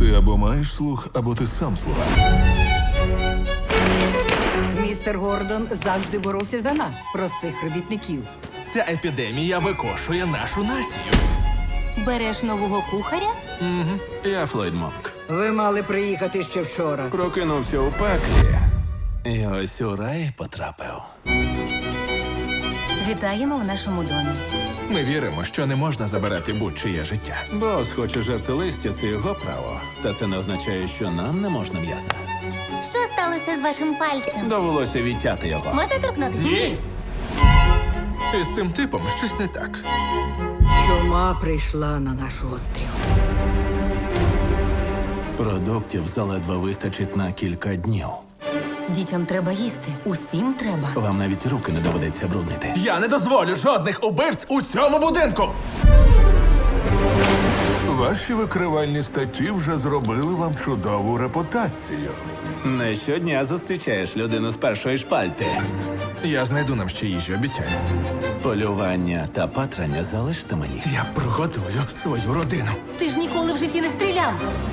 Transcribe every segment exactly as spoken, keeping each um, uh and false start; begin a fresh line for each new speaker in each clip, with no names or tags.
Ти або маєш слух, або ти сам слуга.
Містер Гордон завжди боровся за нас, простих робітників.
Ця епідемія викошує нашу націю.
Береш нового кухаря?
Я Флойд Монк.
Ви мали приїхати ще вчора.
Прокинувся у пеклі. І ось у рай потрапив.
Вітаємо в нашому домі.
Ми віримо, що не можна забирати будь-чиє життя.
Бос хоче жерти листя, це його право. Та це не означає, що нам не можна м'яса.
Що сталося з вашим пальцем?
Довелося відтяти його.
Можна торкнутися?
Ні! Із цим типом щось не так.
Чума прийшла на наш острів.
Продуктів заледве вистачить на кілька днів.
Дітям треба їсти. Усім треба.
Вам навіть руки не доведеться бруднити.
Я не дозволю жодних убивць у цьому будинку!
Ваші викривальні статті вже зробили вам чудову репутацію.
Не щодня зустрічаєш людину з першої шпальти.
Я знайду нам ще їжі, обіцяю.
Полювання та патрання залиште мені.
Я прогодую свою родину.
Ти ж ніколи в житті не стріляв.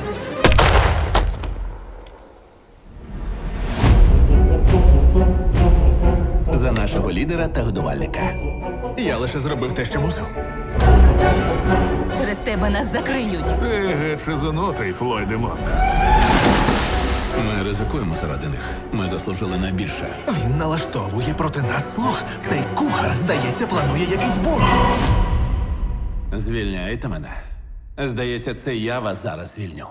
За нашого лідера та годувальника.
Я лише зробив те, що мусив.
Через тебе нас закриють.
Ти геть шизонутий, Флойде Монк.
Ми ризикуємо заради них. Ми заслужили на більше.
Він налаштовує проти нас слух. Цей кухар, здається, планує якийсь бунт.
Звільняйте мене. Здається, це я вас зараз звільню.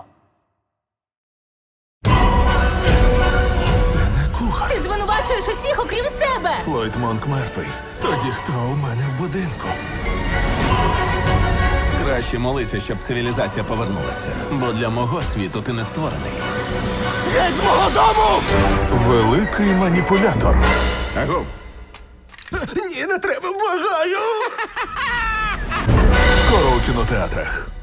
Це не кухар.
Ти звинувачуєш усіх, окрім себе.
Флойд Монк мертвий.
Тоді хто у мене в будинку?
Краще молися, щоб цивілізація повернулася. Бо для мого світу ти не створений.
Геть з мого дому!
Великий маніпулятор.
Агу!
Ні, не треба, благаю!
Скоро у кінотеатрах.